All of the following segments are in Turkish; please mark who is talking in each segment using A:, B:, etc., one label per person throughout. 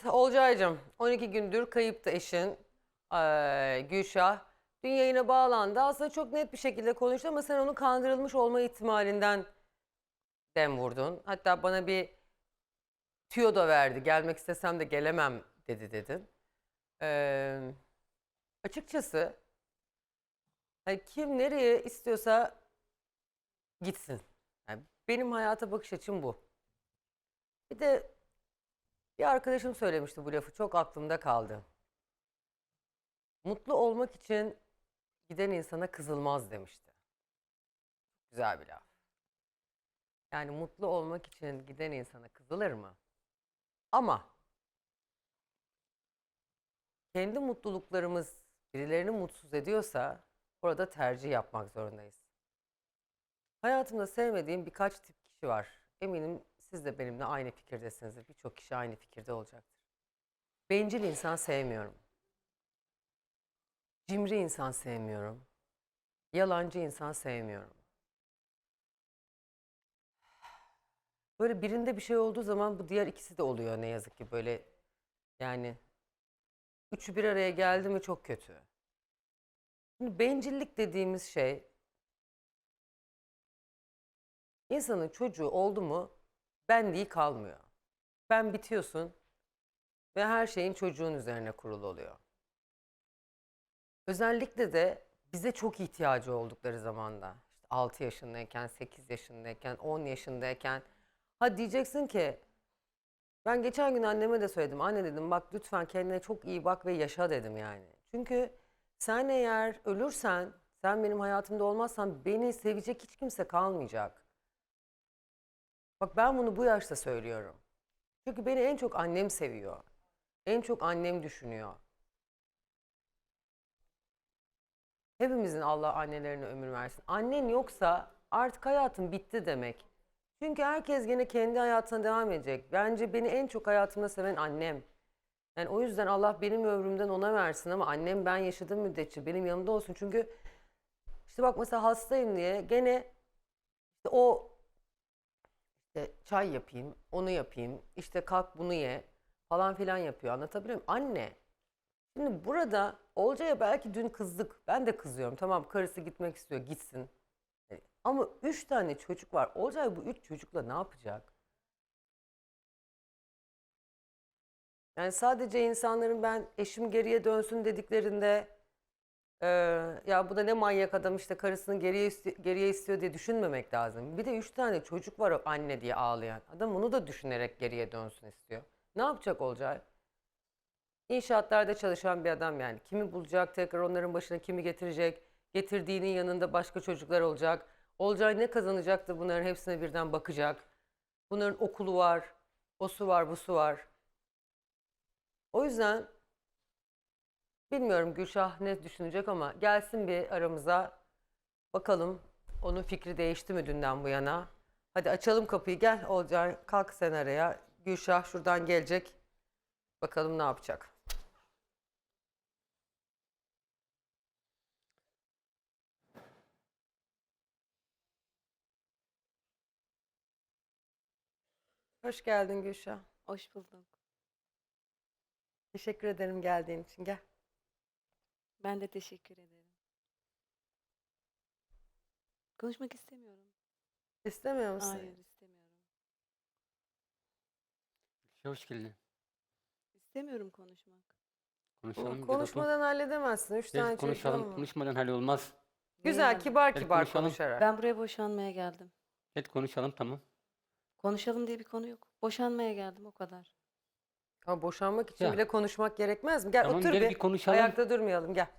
A: Evet Olcay'cığım 12 gündür kayıptı eşin Gülşah. Dün yayına bağlandı. Aslında çok net bir şekilde konuştu ama sen onun kandırılmış olma ihtimalinden dem vurdun. Hatta bana bir tüyo da verdi. Gelmek istesem de gelemem dedin. Eee, açıkçası hani kim nereye istiyorsa gitsin. Yani benim hayata bakış açım bu. Bir de bir arkadaşım söylemişti bu lafı. Çok aklımda kaldı. Mutlu olmak için giden insana kızılmaz demişti. Güzel bir laf. Yani mutlu olmak için giden insana kızılır mı? Ama kendi mutluluklarımız birilerini mutsuz ediyorsa orada tercih yapmak zorundayız. Hayatımda sevmediğim birkaç tip kişi var. Eminim siz de benimle aynı fikirdesinizdir. Birçok kişi aynı fikirde olacaktır. Bencil insan sevmiyorum. Cimri insan sevmiyorum. Yalancı insan sevmiyorum. Böyle birinde bir şey olduğu zaman bu diğer ikisi de oluyor ne yazık ki böyle yani üçü bir araya geldi mi çok kötü. Şimdi bencillik dediğimiz şey insanın çocuğu oldu mu benliği kalmıyor. Ben bitiyorsun ve her şeyin çocuğun üzerine kurulu oluyor. Özellikle de bize çok ihtiyacı oldukları zamanda işte 6 yaşındayken, 8 yaşındayken, 10 yaşındayken ha diyeceksin ki ben geçen gün anneme de söyledim. Anne dedim bak lütfen kendine çok iyi bak ve yaşa dedim yani. Çünkü sen eğer ölürsen, sen benim hayatımda olmazsan beni sevecek hiç kimse kalmayacak. Bak ben bunu bu yaşta söylüyorum. Çünkü beni en çok annem seviyor. En çok annem düşünüyor. Hepimizin Allah annelerine ömür versin. Annen yoksa artık hayatın bitti demek. Çünkü herkes gene kendi hayatına devam edecek. Bence beni en çok hayatımda seven annem. Yani o yüzden Allah benim ömrümden ona versin ama annem ben yaşadığım müddetçe benim yanımda olsun. Çünkü işte bak mesela hastayım diye gene işte o işte çay yapayım, onu yapayım, işte kalk bunu ye falan filan yapıyor. Anlatabiliyor muyum? Anne. Şimdi burada Olcay'a belki dün kızdık. Ben de kızıyorum. Tamam karısı gitmek istiyor gitsin. Ama 3 tane çocuk var. Olcay bu 3 çocukla ne yapacak? Yani sadece insanların ben eşim geriye dönsün dediklerinde ya bu da ne manyak adam işte karısını geriye istiyor diye düşünmemek lazım. Bir de 3 tane çocuk var o anne diye ağlayan. Adam onu da düşünerek geriye dönsün istiyor. Ne yapacak Olcay? İnşaatlarda çalışan bir adam yani. Kimi bulacak tekrar onların başına kimi getirecek? Getirdiğinin yanında başka çocuklar olacak. Olcay ne kazanacaktır bunların hepsine birden bakacak. Bunların okulu var, o su var, bu su var. O yüzden bilmiyorum Gülşah ne düşünecek ama gelsin bir aramıza. Bakalım onun fikri değişti mi dünden bu yana? Hadi açalım kapıyı gel Olcay kalk sen araya. Gülşah şuradan gelecek. Bakalım ne yapacak. Hoş geldin Gülşah.
B: Hoş bulduk.
A: Teşekkür ederim geldiğin için. Gel.
B: Ben de teşekkür ederim. Konuşmak istemiyorum.
A: İstemiyor musun?
B: Hayır, istemiyorum.
C: Hoş geldin.
B: İstemiyorum konuşmak.
C: Konuşalım. Gel otur.
A: Konuşmadan halledemezsin. Üç
C: Gel
A: tane çocuğun
C: konuşalım.
A: var.
C: Konuşmadan hallolmaz.
A: Güzel,
B: Neyi
A: kibar
C: Gel
A: kibar
C: konuşalım.
A: konuşarak.
B: Ben buraya boşanmaya geldim.
C: Gel konuşalım tamam.
B: Konuşalım diye bir konu yok. Boşanmaya geldim o kadar.
A: Ama boşanmak için
C: Ya.
A: bile konuşmak gerekmez mi? Gel
C: Tamam,
A: otur
C: gel
A: bir.
C: bir konuşalım.
A: Ayakta durmayalım gel.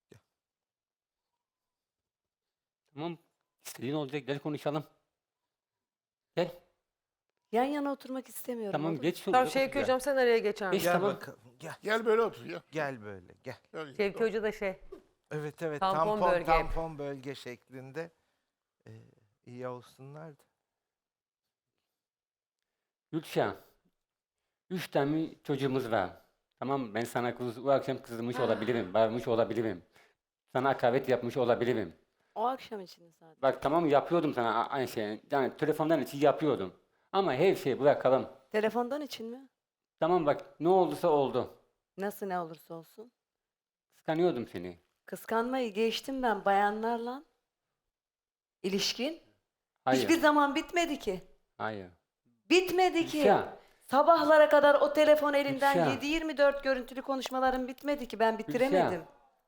C: Tamam. İstediğin olacak. Gel konuşalım. Gel.
B: Yan yana oturmak istemiyorum.
C: Tamam
B: olur
C: geç
B: mu?
C: şunu.
A: Tamam Şevki Hocam sen araya geçer
C: Geç
A: misin?
C: tamam.
D: Bakalım gel.
E: Gel böyle otur ya.
D: Gel böyle gel.
E: Gel.
A: Şevki
E: Tamam.
A: Hoca da şey.
D: Evet
A: Tampon bölge.
D: tampon bölge şeklinde iyi olsunlar da.
C: Gülşah. 3 tane çocuğumuz var. Tamam ben sana bu akşam kızmış olabilirim. Bağırmış olabilirim. Sana hakaret yapmış olabilirim.
B: O akşam için sadece.
C: Bak tamam yapıyordum sana aynı şeyi. Yani telefondan için yapıyordum. Ama her şeyi bırakalım.
B: Telefondan için mi?
C: Tamam bak ne olduysa oldu.
B: Nasıl ne olursa olsun.
C: Kıskanıyordum seni.
B: Kıskanmayı geçtim ben bayanlarla. İlişkin
C: Hayır.
B: hiçbir zaman bitmedi ki.
C: Hayır.
B: Bitmedi ki.
C: Gülşah.
B: Sabahlara kadar o telefon elinden
C: Gülşah.
B: 7-24 görüntülü konuşmalarım bitmedi ki. Ben bitiremedim.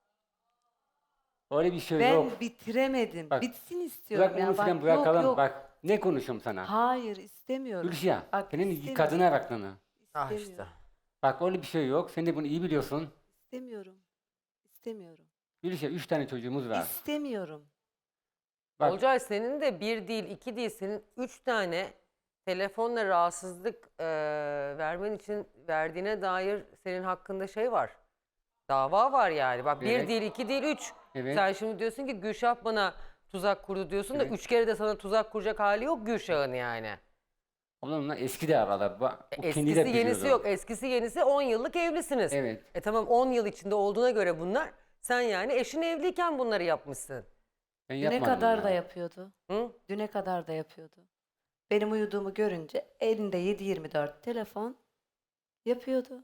C: Öyle bir şey
B: Ben
C: yok.
B: bitiremedim.
C: Bak,
B: Bitsin istiyorum
C: Bırak
B: ya.
C: onu
B: Bak,
C: filan
B: yok,
C: bırakalım.
B: yok.
C: Bak ne konuşuyorum sana.
B: Hayır istemiyorum.
C: Gülşah.
B: Bak,
C: Senin
B: istemiyorum.
C: kadına aklını.
D: Ah
B: İstemiyorum.
D: işte.
C: Bak öyle bir şey yok. Sen de bunu iyi biliyorsun.
B: İstemiyorum. İstemiyorum.
C: Gülşah 3 tane çocuğumuz var.
B: İstemiyorum.
C: Bak
A: Olcay senin de bir değil, iki değil, senin 3 tane telefonla rahatsızlık vermen için verdiğine dair senin hakkında şey var. Dava var yani. Bak bir
C: Evet.
A: değil, iki değil, 3.
C: Evet.
A: Sen şimdi diyorsun ki Gülşah bana tuzak kurdu diyorsun da
C: Evet.
A: 3 kere de sana tuzak kuracak hali yok Gülşah'ın yani.
C: onunla eski de aralar. O kendi
A: Eskisi
C: de
A: yenisi
C: biliyordu.
A: yok. Eskisi yenisi 10 yıllık evlisiniz.
C: Evet.
A: Tamam 10 yıl içinde olduğuna göre bunlar. Sen yani eşin evliyken bunları yapmışsın.
C: Ben
B: Düne
C: yapmadım
B: kadar
C: ya.
B: da yapıyordu.
A: Hı?
B: Düne kadar da yapıyordu. Benim uyuduğumu görünce elinde 7-24 telefon yapıyordu.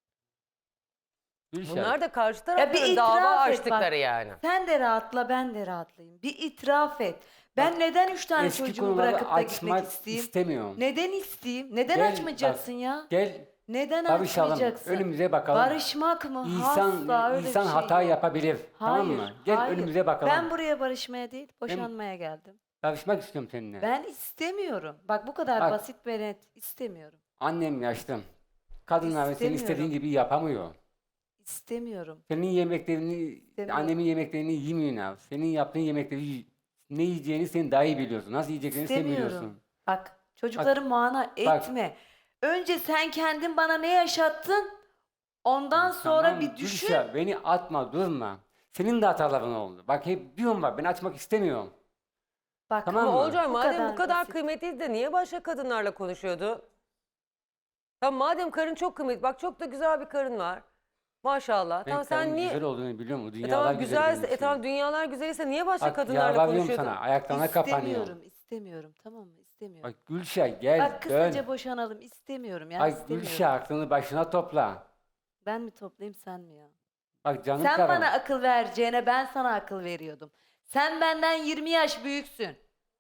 C: Gülşah.
A: Bunlar da karşı
B: bir
A: tarafların
B: itiraf
A: dava
B: et
A: açtıkları
B: bak.
A: yani.
B: Sen de rahatla ben de rahatlayayım. Bir itiraf et. Ben neden 3 tane
C: Eski
B: çocuğumu
C: konuları
B: bırakıp da gitmek
C: açmak
B: isteyeyim?
C: istemiyorum.
B: Neden isteyeyim? Neden
C: Gel,
B: açmayacaksın
C: bak,
B: ya?
C: Gel
B: Neden
C: barışalım.
B: açmayacaksın?
C: Önümüze bakalım.
B: Barışmak mı? Asla öyle
C: İnsan
B: bir şey
C: hata
B: yok.
C: yapabilir. Tamam
B: Hayır,
C: mı? Gel
B: hayır.
C: önümüze bakalım.
B: Ben buraya barışmaya değil, boşanmaya geldim.
C: Barışmak istiyorum seninle.
B: Ben istemiyorum. Bak bu kadar
C: Bak.
B: basit ve net istemiyorum.
C: Annem yaşlı. Kadınlar senin
B: İstemiyorum.
C: istediğin gibi yapamıyor.
B: İstemiyorum.
C: Senin yemeklerini,
B: İstemiyorum.
C: annemin yemeklerini yemiyorsun abi. Senin yaptığın yemekleri ne yiyeceğini sen daha iyi biliyorsun. Nasıl yiyeceklerini sen biliyorsun.
B: İstemiyorum. Bak çocukları mana etme. Önce sen kendin bana ne yaşattın? Ondan sonra
C: Tamam,
B: bir düşün.
C: Gülşah, beni atma, durma. Senin de hataların oldu. Bak hep diyorum bak ben açmak istemiyorum.
B: Bak
C: Tamam
A: Ama
C: mı?
A: Olcay madem bu kadar
B: basit.
A: kıymetliydi de niye başka kadınlarla konuşuyordu? Tamam madem karın çok kıymetli. Bak çok da güzel bir karın var. Maşallah.
C: Ben
A: Tamam sen
C: karımın
A: niye...
C: güzel olduğunu biliyorum. O dünyalar
A: tamam
C: güzel benim
A: güzelse,
C: için.
A: tamam dünyalar güzelse niye başka
C: Bak
A: kadınlarla
C: yalvarıyorum
A: konuşuyordun?
C: sana. Ayaklarına kapanıyorum.
B: İstemiyorum, istemiyorum. Tamam mı? İstemiyorum.
C: Bak Gülşah gel
B: Bak kısaca
C: dön.
B: boşanalım. İstemiyorum ya.
C: Bak
B: istemiyorum.
C: Gülşah aklını başına topla.
B: Ben mi toplayayım sen mi ya?
C: Bak canım
B: Sen
C: karım.
B: bana akıl vereceğine ben sana akıl veriyordum. Sen benden 20 yaş büyüksün.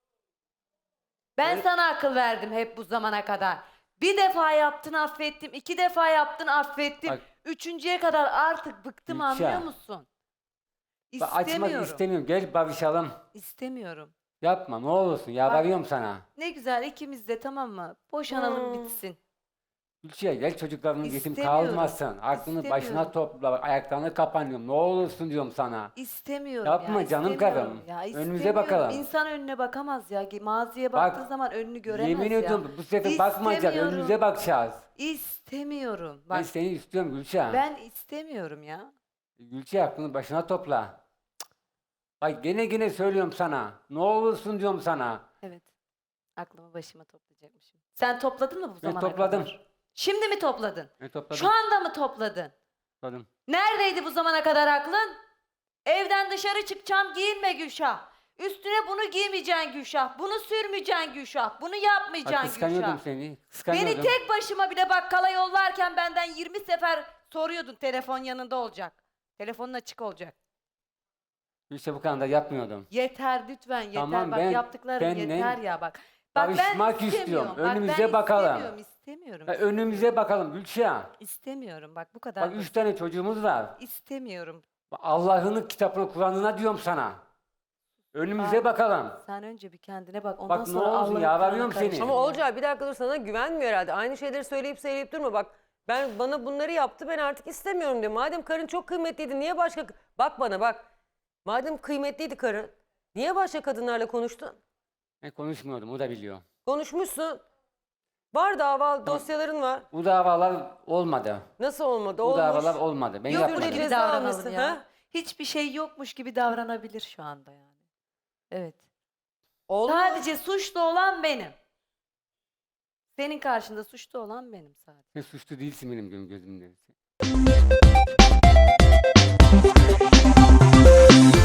B: Ben sana akıl verdim hep bu zamana kadar. Bir defa yaptın affettim, 2 defa yaptın affettim.
C: Bak-
B: Üçüncüye kadar artık bıktım
C: Gülşah.
B: anlıyor musun?
C: Bak, açmak
B: İstemiyorum.
C: istemiyorum. Gel barışalım.
B: İstemiyorum.
C: Yapma ne olursun. Yalvarıyorum sana.
B: Ne güzel ikimiz de tamam mı? Boşanalım
A: Hmm.
B: bitsin.
C: Gülşah gel çocukların yetim
B: İstemiyorum.
C: kalmasın. Aklını başına
B: İstemiyorum.
C: topla. Bak, ayaklarına kapanıyorum. Ne olursun diyorum sana.
B: İstemiyorum
C: Yapma
B: ya.
C: canım
B: istemiyorum
C: karım.
B: Ya,
C: Önümüze
B: istemiyorum.
C: bakalım.
B: İnsan önüne bakamaz ya. Maziye
C: Bak,
B: baktığı zaman önünü göremez
C: Yemin
B: ya.
C: ediyorum bu sefer bakmayacağız.
B: İstemiyorum.
C: Önümüze bakacağız.
B: İstemiyorum.
C: Ben
B: Bak
C: seni istiyorum Gülşah.
B: ben istemiyorum ya.
C: Gülşah aklını başına topla. Cık. Bak gene söylüyorum sana. Ne olursun diyorum sana.
B: Evet. Aklımı başıma toplayacakmışım. Sen topladın mı bu
C: Ben
B: zamana
C: topladım.
B: kadar? Şimdi mi topladın?
C: Ben topladım.
B: Şu anda mı topladın?
C: Topladım.
B: Neredeydi bu zamana kadar aklın? Evden dışarı çıkacağım giyinme Gülşah. Üstüne bunu giymeyeceksin Gülşah. Bunu sürmeyeceksin Gülşah. Bunu
C: Bak
B: yapmayacaksın
C: kıskanıyordum
B: Gülşah.
C: seni. Kıskanıyordum.
B: Beni tek başıma bile bakkala yollarken benden 20 sefer soruyordun telefon yanında olacak. Telefonun açık olacak.
C: Gülşah bu kadar da yapmıyordum.
B: Yeter lütfen yeter.
C: Tamam,
B: bak
C: ben
B: yaptıkların
C: seninle
B: yeter ya bak. Bak ben
C: barışmak
B: istemiyorum.
C: istiyorum.
B: Bak, ben
C: Önümüze bakalım.
B: İstemiyorum.
C: Ya önümüze bakalım Gülşah.
B: İstemiyorum. Bak bu kadar.
C: Bak 3 tane çocuğumuz var.
B: İstemiyorum.
C: Bak, Allah'ın kitabını Kur'an'ına diyorum sana. Önümüze
B: Bak,
C: bakalım.
B: Sen önce bir kendine bak. Ondan
C: Bak, ne
B: sonra
C: olsun,
B: Allah'ın
C: yalvarıyorum
B: Kur'an'ına
C: seni.
B: karışma
A: Ama
B: ya.
A: Olcay bir dakika dur sana güvenmiyor herhalde. Aynı şeyleri söyleyip durma bak. Bana bunları yaptı ben artık istemiyorum diyor. Madem karın çok kıymetliydi niye başka... Bak bana bak. Madem kıymetliydi karın niye başka kadınlarla konuştun?
C: Ben konuşmuyordum o da biliyor.
A: Konuşmuşsun. Var dava dosyaların var.
C: Bu davalar olmadı.
A: Nasıl olmadı?
C: Bu
A: Olmuş.
C: davalar olmadı. Ben
B: Yokmuş
C: yapmadım.
B: gibi
A: Ceza
B: davranalım
A: almışsın,
B: ya.
A: ha?
B: Hiçbir şey yokmuş gibi davranabilir şu anda yani. Evet.
A: Olmuş.
B: Sadece suçlu olan benim. Senin karşında suçlu olan benim sadece.
C: Sen suçlu değilsin benim gözümde.